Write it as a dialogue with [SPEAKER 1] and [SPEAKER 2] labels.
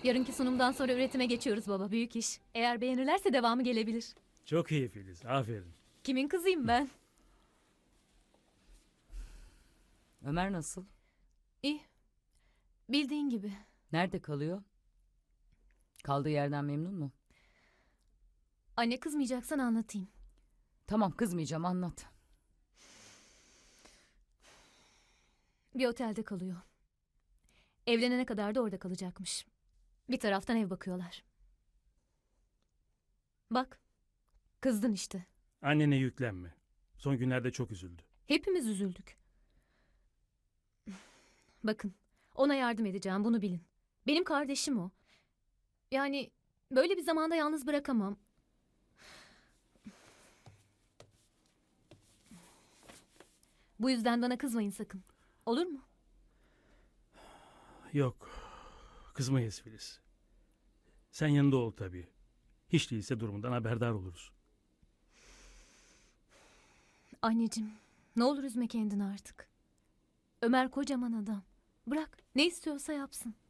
[SPEAKER 1] Yarınki sunumdan sonra üretime geçiyoruz baba. Büyük iş. Eğer beğenirlerse devamı gelebilir.
[SPEAKER 2] Çok iyi Filiz, aferin.
[SPEAKER 1] Kimin kızıyım ben?
[SPEAKER 3] Ömer nasıl?
[SPEAKER 1] İyi. Bildiğin gibi.
[SPEAKER 3] Nerede kalıyor? Kaldığı yerden memnun mu?
[SPEAKER 1] Anne kızmayacaksan anlatayım.
[SPEAKER 3] Tamam kızmayacağım anlat.
[SPEAKER 1] Bir otelde kalıyor. Evlenene kadar da orada kalacakmış. Bir taraftan ev bakıyorlar. Bak. Kızdın işte.
[SPEAKER 2] Annene yüklenme. Son günlerde çok üzüldü.
[SPEAKER 1] Hepimiz üzüldük. Bakın, ona yardım edeceğim, bunu bilin. Benim kardeşim o. Yani böyle bir zamanda yalnız bırakamam. Bu yüzden bana kızmayın sakın. Olur mu?
[SPEAKER 2] Yok, kızmayız Filiz. Sen yanında ol tabii. Hiç değilse durumundan haberdar oluruz.
[SPEAKER 1] Anneciğim, ne olur üzme kendini artık. Ömer kocaman adam. Bırak, ne istiyorsa yapsın.